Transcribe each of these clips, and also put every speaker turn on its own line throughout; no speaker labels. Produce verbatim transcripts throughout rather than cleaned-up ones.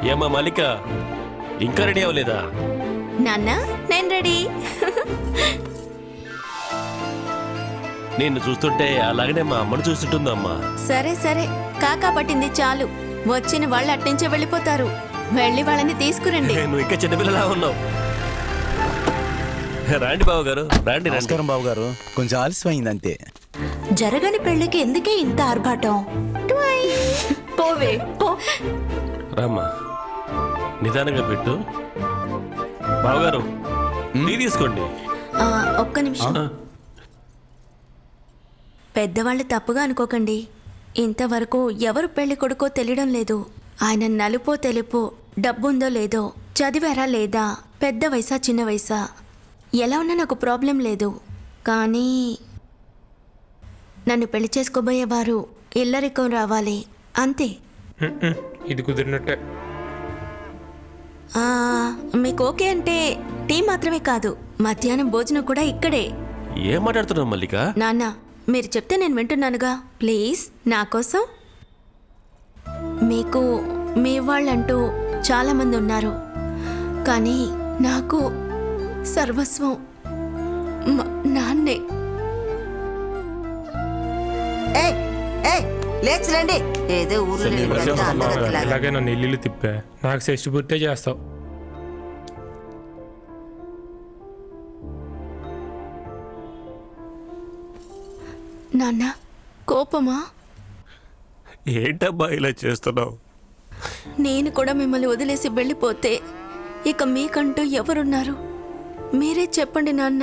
ఏమా మల్లిక ఇంకా రెడీ అవ్వలేదా?
నాన్న నేను రెడీ.
నిన్ను చూస్తుంటే అలాగనే మా అమ్మను చూస్తుంటుందమ్మా.
సరే సరే కాకా పట్టింది చాలు. వచ్చిన వాళ్ళు అట్నుంచే వెళ్ళిపోతారు. వెళ్ళి వాళ్ళని తీసుకురండి.
నువ్వు ఇంకా చిన్నపిల్లలా ఉన్నావు. రాండి బాబు గారు, రాండి.
నమస్కారం బాబు గారు, కొంచెం ఆలస్యం అయింది అంతే.
జరగని పెళ్లికి ఎందుకే ఇంత ఆర్భాటం? పోవే పో.
రామ్మా, నిదానంగా పెట్టు. బావగారు టీ తీసుకోండి.
ఆ, ఒక్క నిమిషం. పెద్దవాళ్ళు తప్పుగా అనుకోకండి. ఇంతవరకు ఎవరు పెళ్లి కొడుకో తెలియడం లేదు. ఆయన నలుపో తెలుపో, డబ్బుందో లేదో, చదివారా లేదా, పెద్ద వయసా చిన్న వయసా, ఎలా ఉన్నా నాకు ప్రాబ్లం లేదు. కానీ నన్ను పెళ్లి చేసుకోబోయేవారు ఇల్లరికం రావాలి అంతే.
ఇది కుదిరినట్టే.
ఆ, మీకు ఓకే అంటే టీ మాత్రమే కాదు, మధ్యాహ్నం భోజనం కూడా ఇక్కడే.
ఏం మాట్లాడుతున్నావు మల్లిక?
నాన్న మీరు చెప్తే నేను వింటున్నానుగా. ప్లీజ్ నా కోసం. మీకు మీ వాళ్ళంటూ చాలామంది ఉన్నారు, కానీ నాకు సర్వస్వం మా నాన్నే.
లేచి రండి. ఏదో ఊర్లో
ఇలాగే నన్ను ఇల్లు తిప్పా. నాకు షష్టి పూర్తే చేస్తావు.
నాన్న కోపమా?
ఏంటబ్బా ఇలా చేస్తున్నావు?
నేను కూడా మిమ్మల్ని వదిలేసి వెళ్ళిపోతే ఇక మీకంటూ ఎవరున్నారు? మీరే చెప్పండి నాన్న.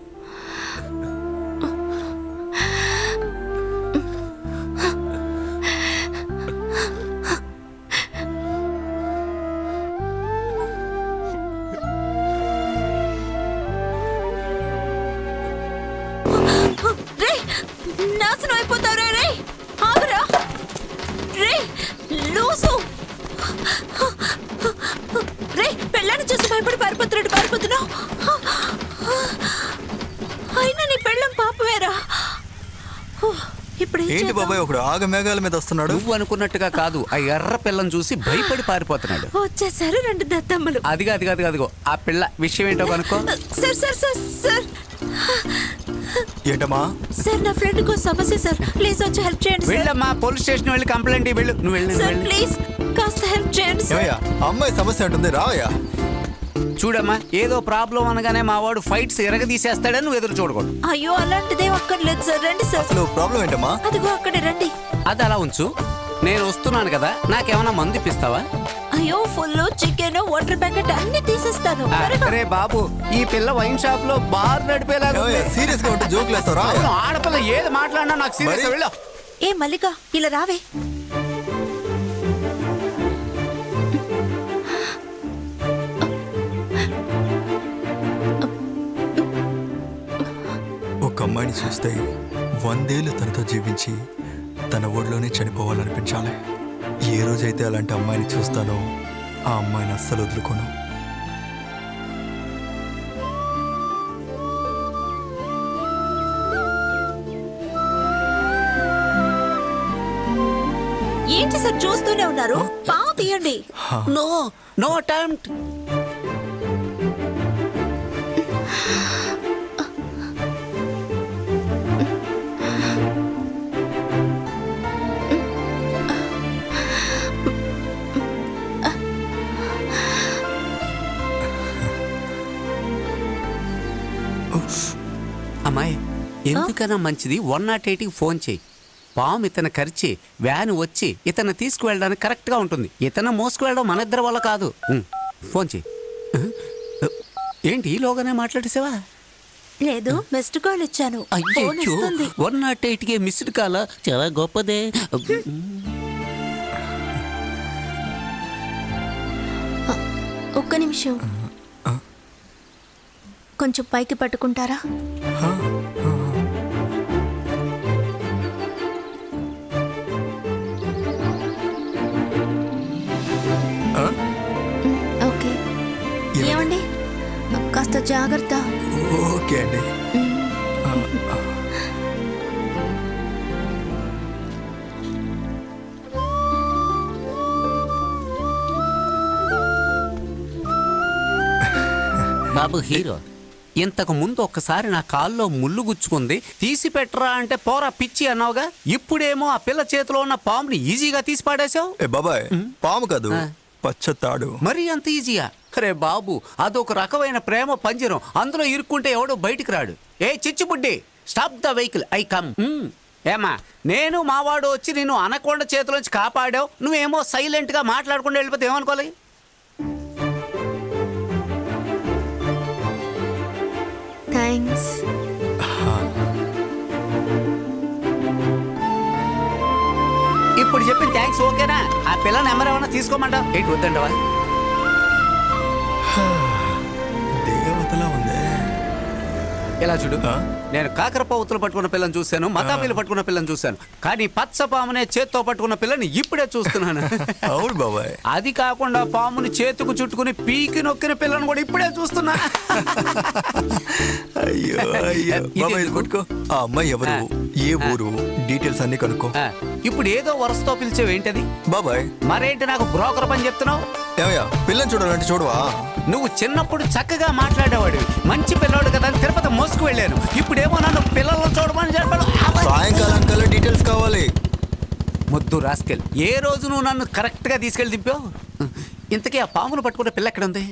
నాశనం అయిపోతావురా రే. ఆగురా రే, లూసు రే. పెళ్ళాన్ని చూసి భయపడి పారిపోతున్నాడు పారిపోతున్నావు. అయినా నీ పెళ్ళం పాపవేరా. ఇప్పుడు
ఏంటి బాబాయ్ ఒకడు ఆగ మేఘాల మీద వస్తున్నాడు?
నువ్వు అనుకున్నట్టుగా కాదు, ఆ ఎర్ర పిల్లని చూసి భయపడి పారిపోతున్నాడు.
వచ్చేసారు రెండు దత్తమ్మలు.
అదిగా అదిగా అదిగా అదిగో ఆ పిల్ల విషయం ఏంటో కనుక్కో.
సార్ సార్ సార్ సార్
ఏంటమ్మా?
సార్ నా ఫ్రెండ్ కో సమస్య సార్, ప్లీజ్ వచ్చి హెల్ప్ చేయండి సార్.
వెళ్ళమ్మా, పోలీస్ స్టేషన్ వెళ్ళి కంప్లైంట్ వెళ్ళు. నువ్వు వెళ్ళు
సార్ ప్లీజ్ కాస్త హెల్ప్ చేయండి సార్.
ఏమయ్యా అమ్మాయి సమస్య ఉంటుంది, రావయ్యా.
చూడమ్మా, ఏదో ప్రాబ్లం అనగానే మా వాడు ఫైట్స్ ఎరగదీసేస్తాడని నువ్వు ఎదురు చూడకూడదు.
అయ్యో అలాంటిదే అక్కర్లేదు సార్, రండి సార్.
అసలు ప్రాబ్లం ఏంటమ్మా?
అదిగో అక్కడే రండి.
అది అలా ఉంచు, నేను వస్తున్నాను కదా, నాకేమైనా మందు ఇప్పిస్తావా?
అయ్యో ఫుల్ చికెన్ వాటర్ ప్యాకెట్ అన్ని తీసేస్తాను.
అరే బాబు, ఈ పిల్ల వైన్ షాప్ లో బార్ నడిపేలాగా ఉంది.
సీరియస్ గా ఉంటే జోకులు వేస్తావు, రావయ్యా.
అవును, ఆడపిల్ల ఏది మాట్లాడినా నాకు సీరియస్.
మరి?
వెళ్ళు.
ఏ మల్లిక ఇలా రావే.
ఒక అమ్మాయిని చూస్తే వందేళ్ళు తనతో జీవించి తన ఒడిలోనే చనిపోవాలనిపించాలి. ఏ రోజైతే అలాంటి అమ్మాయిని చూస్తానో ఆ అమ్మాయిని అస్సలు వదులుకోను.
ఏంటి సార్ చూస్తూనే ఉన్నారు? పావు తీయండి.
No no attempt. అమ్మాయి, ఎందుకన్నా మంచిది వన్ నాట్ ఎయిట్కి ఫోన్ చేయి. పాము ఇతను కరిచి వ్యాన్ వచ్చి ఇతను తీసుకువెళ్ళడానికి కరెక్ట్గా ఉంటుంది. ఇతను మోసుకువెళ్ళడం మన ఇద్దరి వల్ల కాదు. ఉమ్, ఫోన్ చేయి. ఏంటి ఈలోగానే మాట్లాడేసావా?
లేదు, మిస్డ్ కాల్ ఇచ్చాను. ఫోన్
అయ్యో,
వస్తుంది.
వన్ నాట్ ఎయిట్కి మిస్డ్ కాల్, చాలా గొప్పదే.
ఒక్క నిమిషం, కొంచెం పైకి పట్టుకుంటారా? ఓకే. ఏమండి కాస్త జాగ్రత్త.
ఓకే అండి.
బాబు హీరో, ఇంతకు ముందు ఒక్కసారి నా కాల్లో ముళ్ళు గుచ్చుకుంది, తీసి పెట్టరా అంటే పోరా పిచ్చి అన్నావుగా. ఇప్పుడేమో ఆ పిల్ల చేతిలో ఉన్న పాముని ఈజీగా తీసి పాడేశావు.
ఏ బాబాయ్, పాము కాదు,
ఆ.
పచ్చ తాడు.
మరీ అంత ఈజీయా? అరే బాబు, అదొక రకమైన ప్రేమ పంజరం, అందులో ఇరుక్కుంటే ఎవడో బయటికి రాడు. ఏ చిచ్చుబుడ్డి, stop the vehicle, I come. ఏమా, నేను మావాడు వచ్చి నిన్ను అనకొండ చేతిలోంచి కాపాడావు, నువ్వేమో సైలెంట్ గా మాట్లాడకుండా వెళ్ళిపోతే ఏమనుకోవాలి?
థ్యాంక్స్.
ఇప్పుడు చెప్పిన థ్యాంక్స్ ఓకేనా? ఆ పిల్ల నెంబర్ ఏమన్నా తీసుకోమంటావు? ఏంటి వద్దండవా?
దేవతలా ఉందే.
ఇలా చూడు,
ఆ?
నేను కాకరపావుతులు పట్టుకున్న పిల్లని చూశాను, మతాబీలు పట్టుకున్న పిల్లని చూశాను, కానీ పచ్చ పామునే చేత్తో పట్టుకున్న పిల్లని ఇప్పుడే చూస్తున్నాను.
అవును బాబాయ్.
అది కాకుండా పాముని చేతుకు చుట్టుకుని పీకి నొక్కిన పిల్లని కూడా ఇప్పుడే చూస్తున్నా.
అయ్యో అయ్యో
ఇది
బాబాయ్, ఇది
ఎందుకు?
కొట్టుకో. ఆ అమ్మాయి ఎవరు, ఏ ఊరు, డీటెయిల్స్ అన్ని కనుక్కో.
ఆ, ఇప్పుడు ఏదో వరసతో పిలిచేవి ఏంటది?
బాబాయ్,
మరేంటి నాకు బ్రోకర్ పని చెప్తున్నావు?
ఏమయ్యా పిల్లని చూడాలంటే చూడవా?
నువ్వు చిన్నప్పుడు చక్కగా మాట్లాడేవాడివి, మంచి పిల్లోడు కదా అని తిరుపతి మోసుకు వెళ్ళాను. ఇప్పుడేమో నన్ను పిల్లలను చూడమని చెప్పాడు.
సాయంకాలం కల్లా డీటెయిల్స్ కావాలి.
ముద్దు రాస్కెల్, ఏ రోజు నువ్వు నన్ను కరెక్ట్గా తీసుకెళ్ళి దింపావు? ఇంతకీ ఆ పామును పట్టుకునే పిల్ల ఎక్కడ ఉంది?